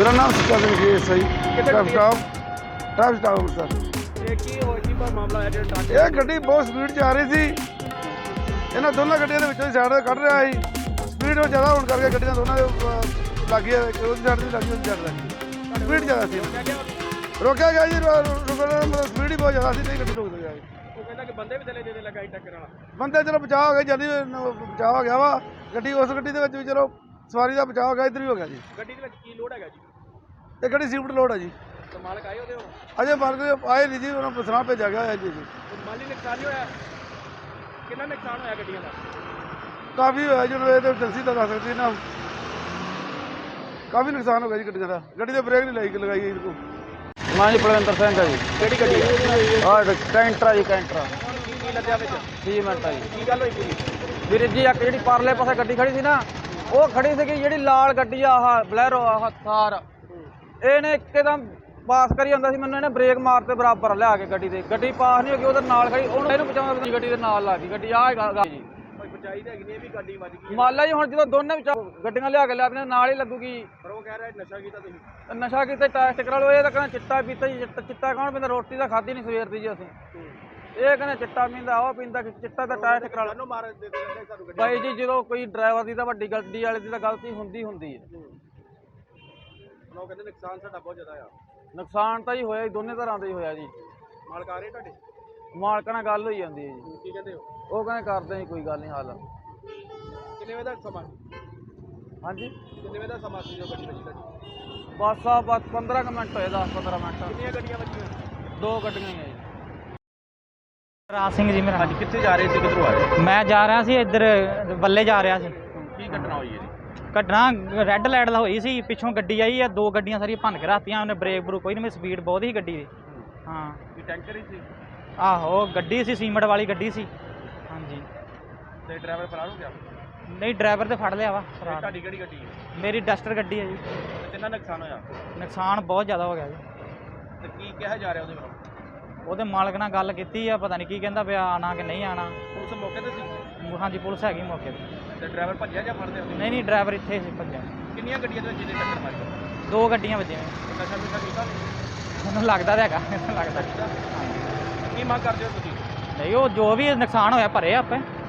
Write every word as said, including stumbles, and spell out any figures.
मेरा नाम सुखा सिंह जी सही traffic staff traffic staff sir ਇਹ ਗੱਡੀ ਬਹੁਤ ਸਪੀਡ 'ਚ ਆ ਰਹੀ ਸੀ। ਇਹਨਾਂ ਦੋਨਾਂ ਗੱਡੀਆਂ ਦੇ ਵਿੱਚੋਂ ਹੀ ਸਾਈਡ ਕੱਢ ਰਿਹਾ ਸੀ। ਸਪੀਡ ਉਹ ਜ਼ਿਆਦਾ ਹੋਣ ਕਰਕੇ ਗੱਡੀਆਂ ਦੋਨਾਂ ਦੇ ਲੱਗੀ ਉਹਦੀ ਸਾਈਡ ਦੀ ਲੱਗੀ ਉਹਦੀ ਸਾਈਡ ਲੱਗੀ ਸਪੀਡ ਜ਼ਿਆਦਾ ਸੀ। ਰੋਕਿਆ ਗਿਆ ਜੀ ਸਪੀਡ ਹੀ ਬਹੁਤ ਜ਼ਿਆਦਾ ਸੀ, ਨਹੀਂ ਗੱਡੀ ਰੁਕ ਗਿਆ। ਉਹ ਕਹਿੰਦਾ ਕਿ ਬੰਦੇ ਵੀ ਥੱਲੇ ਦੇ ਲੱਗਾ ਟੱਕਰ ਵਾਲਾ ਬੰਦੇ ਚਲੋ ਬਚਾਅ ਹੋ ਗਿਆ, ਜਲਦੀ ਬਚਾਅ ਹੋ ਗਿਆ ਵਾ। ਗੱਡੀ ਉਸ ਗੱਡੀ ਦੇ ਵਿੱਚ ਵੀ ਚਲੋ ਸਵਾਰੀ ਦਾ ਬਚਾਅ ਹੋ ਗਿਆ, ਇੱਧਰ ਵੀ ਹੋ ਗਿਆ ਜੀ। ਗੱਡੀ ਦੇ ਵਿੱਚ ਕੀ ਲੋਡ ਹੈਗਾ ਜੀ? ਇਹ ਗੱਡੀ ਸੀਫਟ ਲੋਡ ਹੈ ਜੀ। ਤੇ ਮਾਲਕ ਆਏ ਉਹਦੇ ਹੁਣ? ਅਜੇ ਮਾਲਕ ਆਏ ਨਹੀਂ ਜੀ, ਉਹਨਾਂ ਨੂੰ ਸੁਣਾ ਭੇਜਿਆ ਗਿਆ ਜੀ। ਮਾਲੀ ਨੁਕਸਾਨ ਨਹੀਂ ਹੋਇਆ? ਕਿੰਨਾ ਨੁਕਸਾਨ ਹੋਇਆ ਗੱਡੀਆਂ ਦਾ? ਕਾਫੀ ਹੋਇਆ ਜੀ, ਇਹ ਤਾਂ ਏਜੰਸੀ ਤਾਂ ਦੱਸ ਸਕਦੀ ਨਾ। ਕਾਫੀ ਨੁਕਸਾਨ ਹੋ ਗਿਆ ਜੀ ਗੱਡੀਆਂ ਦਾ। ਗੱਡੀ ਦੇ ਬ੍ਰੇਕ ਨਹੀਂ ਲਾਈ ਲਗਾਈ ਇਹਦੇ ਕੋਲ। ਮੈਂ ਜੀ ਬਲਵਿੰਦਰ ਸਿੰਘ ਆ ਜੀ। ਕਿਹੜੀ ਗੱਡੀ ਹੈ? ਆਹ ਕੈਂਟਰਾ ਜੀ ਕੈਂਟਰਾ ਕੀ ਕੀ ਲੱਦਿਆ ਵਿੱਚ? ਤੀਹ ਮਿੰਟ ਆ ਜੀ। ਕੀ ਗੱਲ ਹੋਈ ਪੂਰੀ? ਵੀਰ ਜੀ ਇੱਕ ਜਿਹੜੀ ਪਰਲੇ ਪਾਸੇ ਗੱਡੀ ਖੜੀ ਸੀ ਨਾ, ਉਹ ਖੜੀ ਸੀਗੀ ਜਿਹੜੀ ਲਾਲ ਗੱਡੀ ਆ ਆਹ ਬਲੈਰੋ ਆਹ ਥਾਰ, ਇਹਨੇ ਇੱਕਦਮ ਪਾਸ ਕਰੀ ਜਾਂਦਾ ਸੀ ਮੈਨੂੰ, ਇਹਨੇ ਬ੍ਰੇਕ ਮਾਰ ਤੇ ਬਰਾਬਰ ਲਿਆ ਕੇ ਗੱਡੀ ਦੇ। ਗੱਡੀ ਪਾਸ ਨਹੀਂ ਹੋ ਗਈ, ਉਹਦੇ ਨਾਲ ਖੜੀ, ਉਹਨੂੰ ਇਹਨੂੰ ਬਚਾਉਂਦਾ ਗੱਡੀ ਦੇ ਨਾਲ ਲੱਗ ਗਈ ਗੱਡੀ। ਆਹ ਗੱਲ ਜੀ ਕੋਈ ਬਚਾਈ ਤਾਂ ਹੈਗੀ ਨਹੀਂ, ਇਹ ਵੀ ਗੱਡੀ ਵੱਜ ਗਈ। ਮੰਨ ਲਾ ਜੀ ਹੁਣ ਜਦੋਂ ਦੋਨੇ ਵਿੱਚ ਗੱਡੀਆਂ ਲਿਆ ਕੇ ਲਿਆਦੀਆਂ ਨਾਲ ਹੀ ਲੱਗੂਗੀ। ਪਰ ਉਹ ਕਹਿ ਰਿਹਾ ਨਸ਼ਾ ਕੀਤਾ ਤੁਸੀਂ। ਨਸ਼ਾ ਕੀਤਾ ਟੈਸਟ ਕਰਾ ਲਓ। ਇਹ ਤਾਂ ਕਹਿੰਦਾ ਚਿੱਟਾ ਪੀਤਾ ਜੀ। ਚਿੱਟਾ ਚਿੱਟਾ ਕੌਣ ਪੀਂਦਾ? ਰੋਟੀ ਤਾਂ ਖਾਧੀ ਨਹੀਂ ਸਵੇਰ ਦੀ ਜੀ ਅਸੀਂ। ਇਹ ਕਹਿੰਦਾ ਚਿੱਟਾ ਪੀਂਦਾ, ਉਹ ਪੀਂਦਾ, ਚਿੱਟਾ ਤਾਂ ਟੈਸਟ ਕਰਾ ਲਓ। ਮਾਰ ਦੇ ਦੇ ਸਾਨੂੰ ਗੱਡੀ ਬਾਈ ਜੀ ਜਦੋਂ ਕੋਈ ਡਰਾਈਵਰ ਦੀ ਤਾਂ ਵੱਡੀ ਗੱਡੀ ਵਾਲੇ ਦੀ ਤਾਂ ਗਲਤੀ ਹੁੰਦੀ ਹੁੰਦੀ ਹੈ। ਉਹ ਕਹਿੰਦੇ ਨੁਕਸਾਨ ਸਾਡਾ ਬਹੁਤ ਜ਼ਿਆਦਾ ਆ। ਨੁਕਸਾਨ ਤਾਂ ਜੀ ਹੋਇਆ ਜੀ, ਦੋਨੇ ਤਰ੍ਹਾਂ ਦਾ ਹੀ ਹੋਇਆ ਜੀ। ਮਾਲਕ ਆ ਰਹੇ ਤੁਹਾਡੇ? ਮਾਲਕਾਂ ਨਾਲ ਗੱਲ ਹੋਈ ਜਾਂਦੀ ਹੈ ਜੀ। ਕੀ ਕਹਿੰਦੇ ਹੋ? ਉਹ ਕਹਿੰਦੇ ਕਰਦੇ ਜੀ ਕੋਈ ਗੱਲ ਨਹੀਂ ਹੱਲ। ਕਿੰਨੇ ਵਜੇ ਦਾ ਸਮਾਂ? ਹਾਂਜੀ ਕਿੰਨੇ ਵਜੇ ਦਾ ਸਮਾਂ ਸੀ ਜੋ ਗੱਡੀ ਵੱਜੀ ਤੁਹਾਡੀ? ਬਸ ਆ ਬਸ ਪੰਦਰਾਂ ਕੁ ਮਿੰਟ ਹੋਏ, ਦਸ ਪੰਦਰਾਂ ਮਿੰਟ। ਕਿੰਨੀਆਂ ਗੱਡੀਆਂ ਵੱਜੀਆਂ? ਦੋ ਗੱਡੀਆਂ ਹੀ ਆ ਜੀ। ਰਾਜ ਸਿੰਘ ਜੀ ਮੇਰਾ। ਅੱਜ ਕਿੱਥੇ ਜਾ ਰਹੇ ਸੀ, ਕਿੱਧਰੋਂ ਆ ਰਹੇ? ਮੈਂ ਜਾ ਰਿਹਾ ਸੀ ਇੱਧਰ ਬੱਲੇ ਜਾ ਰਿਹਾ ਸੀ। ਕੀ ਘਟਨਾ ਹੋਈ ਹੈ ਜੀ? ਘਟਨਾ ਰੈੱਡ ਲਾਈਟ ਦਾ ਹੋਈ ਸੀ, ਪਿੱਛੋਂ ਗੱਡੀ ਆਈ ਆ, ਦੋ ਗੱਡੀਆਂ ਸਾਰੀਆਂ ਭੰਨ ਕੇ ਰਾਤੀਆਂ ਉਹਨੇ। ਬ੍ਰੇਕ ਬਰੂ ਕੋਈ ਨਹੀਂ, ਮੇਰੀ ਸਪੀਡ ਬਹੁਤ ਸੀ ਗੱਡੀ ਦੀ। ਹਾਂ ਕੀ ਟੈਂਕਰ ਹੀ ਸੀ? ਆਹੋ ਗੱਡੀ ਸੀ, ਸੀਮਟ ਵਾਲੀ ਗੱਡੀ ਸੀ। ਹਾਂਜੀ ਤੇ ਡਰਾਈਵਰ ਫਰਾਰ ਹੋ ਗਿਆ? ਨਹੀਂ ਡਰਾਈਵਰ ਤੇ ਫੜ ਲਿਆ ਵਾ। ਤੁਹਾਡੀ ਕਿਹੜੀ ਗੱਡੀ ਹੈ? ਮੇਰੀ ਡਸਟਰ ਗੱਡੀ ਹੈ ਜੀ। ਤੇ ਕਿੰਨਾ ਨੁਕਸਾਨ ਹੋਇਆ? ਨੁਕਸਾਨ ਬਹੁਤ ਜ਼ਿਆਦਾ ਹੋ ਗਿਆ ਜੀ। ਤੇ ਕੀ ਕਿਹਾ ਜਾ ਰਿਹਾ ਉਹਦੇ ਵੱਲੋਂ? ਉਹਦੇ ਮਾਲਕ ਨਾਲ ਗੱਲ ਕੀਤੀ ਆ, ਪਤਾ ਨਹੀਂ ਕੀ ਕਹਿੰਦਾ ਪਿਆ, ਆਣਾ ਕਿ ਨਹੀਂ ਆਣਾ। ਪੁਲਿਸ ਮੌਕੇ ਤੇ ਸੀ? ਹਾਂਜੀ ਪੁਲਿਸ ਹੈਗੀ ਮੌਕੇ ਤੇ। ਤੇ ਡਰਾਈਵਰ ਭੱਜਿਆ ਜਾਂ ਫੜਦੇ ਹੁੰਦੇ? ਨਹੀਂ ਨਹੀਂ ਡਰਾਈਵਰ ਇੱਥੇ ਸੀ ਭੱਜਿਆ। ਕਿੰਨੀਆਂ ਗੱਡੀਆਂ ਦੇ ਵਿੱਚ ਜਿਹਦੇ ਟੱਕਰ ਮਾਰੀ? ਦੋ ਗੱਡੀਆਂ ਵੱਜੀਆਂ। ਨਸ਼ਾ ਨੁਸ਼ਾ ਕੀਤਾ? ਮੈਨੂੰ ਲੱਗਦਾ ਤਾਂ ਹੈਗਾ, ਮੈਨੂੰ ਲੱਗਦਾ। ਕੀ ਮੰਗ ਕਰਦੇ ਹੋ ਤੁਸੀਂ? ਨਹੀਂ ਉਹ ਜੋ ਵੀ ਨੁਕਸਾਨ ਹੋਇਆ ਭਰੇ ਆਪੇ।